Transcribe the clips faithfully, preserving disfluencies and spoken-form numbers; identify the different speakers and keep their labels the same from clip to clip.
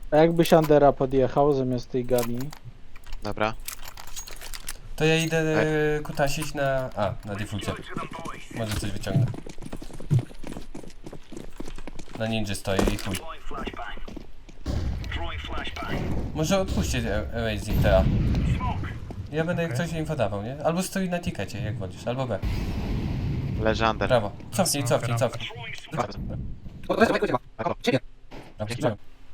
Speaker 1: A jakbyś Andera podjechał zamiast tej gali?
Speaker 2: Dobra.
Speaker 3: To ja idę e, kutasić na... A, na defaulcie. Może coś wyciągnę. Na ninja stoję i chuj. Może odpuśćcie Amazing T A. Ja będę jak coś info dawał, nie? Albo stoi na tikecie, jak wolisz, albo B.
Speaker 2: Leży under.
Speaker 3: Brawo. Cofnij, cofnij, cofnij. Dobrze.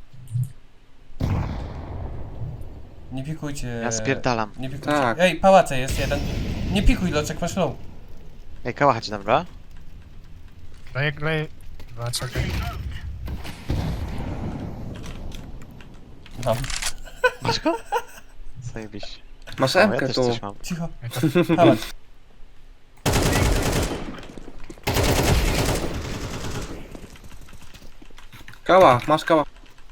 Speaker 3: Nie pikujcie.
Speaker 2: Ja spierdalam.
Speaker 3: Nie pikujcie.
Speaker 4: Tak.
Speaker 3: Ej, pałace jest jeden. Nie pikuj, Loczek, masz low.
Speaker 2: Ej, kałacha ci dobra?
Speaker 5: Leję, leję. Dwa, czekaj.
Speaker 3: Mam.
Speaker 2: Masz go? Zajebiście.
Speaker 4: Masz
Speaker 2: O, ja
Speaker 4: M-kę
Speaker 2: też
Speaker 4: tu.
Speaker 2: coś mam.
Speaker 3: Cicho. Pałac.
Speaker 4: Kała, masz kała.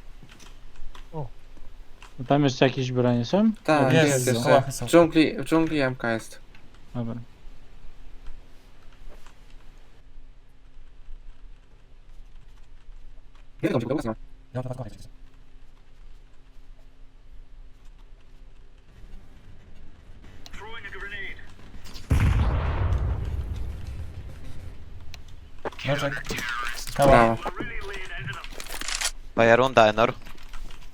Speaker 1: No tam jeszcze jakieś bronie są?
Speaker 4: Tak,
Speaker 3: Jest,
Speaker 4: jest,
Speaker 3: jest,
Speaker 4: jest.
Speaker 3: kałachy są.
Speaker 4: W dżungli, w dżungli M K jest.
Speaker 1: Dobra.
Speaker 4: Nie wiem, gdzie
Speaker 3: Ja mam dwa kałachy. Loczek. Kała.
Speaker 4: Brawo.
Speaker 2: Moja runda, Enor.